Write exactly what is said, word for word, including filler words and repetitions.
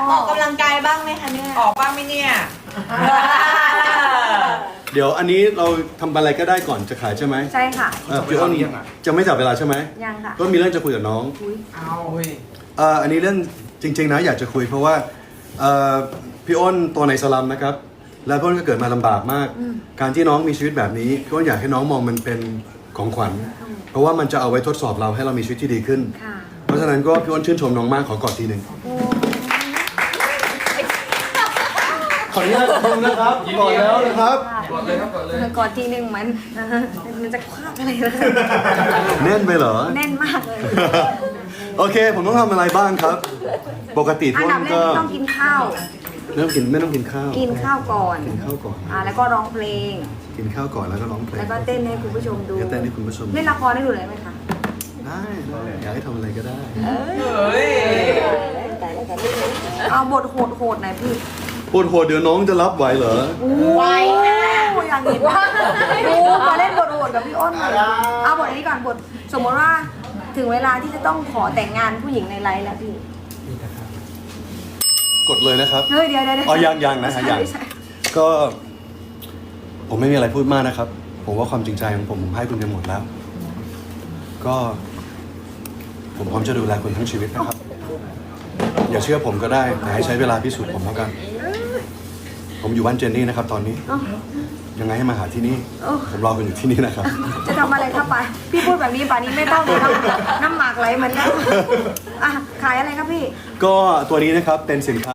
ออกกำลังกายบ้างไหมคะเนี่ยออกบ้างไหมเนี่ยเดี๋ยวอันนี้เราทำอะไรก็ได้ก่อนจะขายใช่ไหมใช่ค่ะเออพี่อ้นจะไม่จับเวลาใช่ไหมยังค่ะก็มีเรื่องจะคุยกับน้องเอาเฮ้ยเอ่ออันนี้เรื่องจริงๆนะอยากจะคุยเพราะว่าเอ่อพี่อ้นตัวในสลัมนะครับแล้วพี่อ้นก็เกิดมาลำบากมาก การที่น้องมีชีวิตแบบนี้พี่อ้นอยากให้น้องมองมันเป็นของขวัญเพราะว่ามันจะเอาไว้ทดสอบเราให้เรามีชีวิตที่ดีขึ้นค่ะเพราะฉะนั้นก็พี่อ้นชื่นชมน้องมากขอกอดทีหนึ่งขออนุญาตดูนะครับกอดแล้วนะครับกดเลยครับกดเลยก่อนทีหนึ่งมันมันจะคว้าอะไรเลยแน่นไปเหรอแน่นมากเลยโอเค ผมต้องทำอะไรบ้างครับ ปกติอัทุนกคดับนแรกก็ที่ต้องกินข้าวไม่ต้องกินไม่ต้องกินข้าวกินข้าวก่อนกินข้าวก่อนอ่าแล้วก็ร้องเพลงกินข้าวก่อนแล้วก็ร้องเพลงแล้วก็เต้นให้คุณผู้ชมดูก็เต้นให้คุณผู้ชมเล่นละครได้ดูเลยไหมคะได้ได้อยากให้ทำอะไรก็ได้เฮ้ยเอาบทโหดๆหน่อยพี่ปวดโหดเดี๋ยวน้องจะรับไหวเหรอไวอยากเห็นว่าดูมาเล่นบทโหดกับพี่อ้นหน่อยเอาบทอันนี้ก่อนบทสมมติว่าถึงเวลาที่จะต้องขอแต่งงานผู้หญิงในไลฟ์แล้วพี่กดเลยนะครับเฮ้ยเดี๋ยวเดี๋ยวเดี๋ยวอ๋อยังยังนะฮะยังไม่ใช่ก็ผมไม่มีอะไรพูดมากนะครับ ผมว่าความจริงใจของผมผมให้คุณไปหมดแล้ว ก็ ผมพร้อมจะดูแลคุณทั้งชีวิตนะครับ อย่าเชื่อผมก็ได้แต่ให้ใช้เวลาพิสูจน์ผมแล้วกัน ผมอยู่บ้านเจนนี่นะครับ ตอนนี้เอ้ายังไงให้มาหาที่นี่เอ้าผมรอคุณอยู่ที่นี่นะครับจะทำอะไรครับไปาพี่พูดแบบนี้ป่านนี้ไม่ต้องเลยนะน้ำหมากไหลเหมือนกันอ่ะขายอะไรครับพี่ก็ตัวนี้นะครับเป็นสินค้า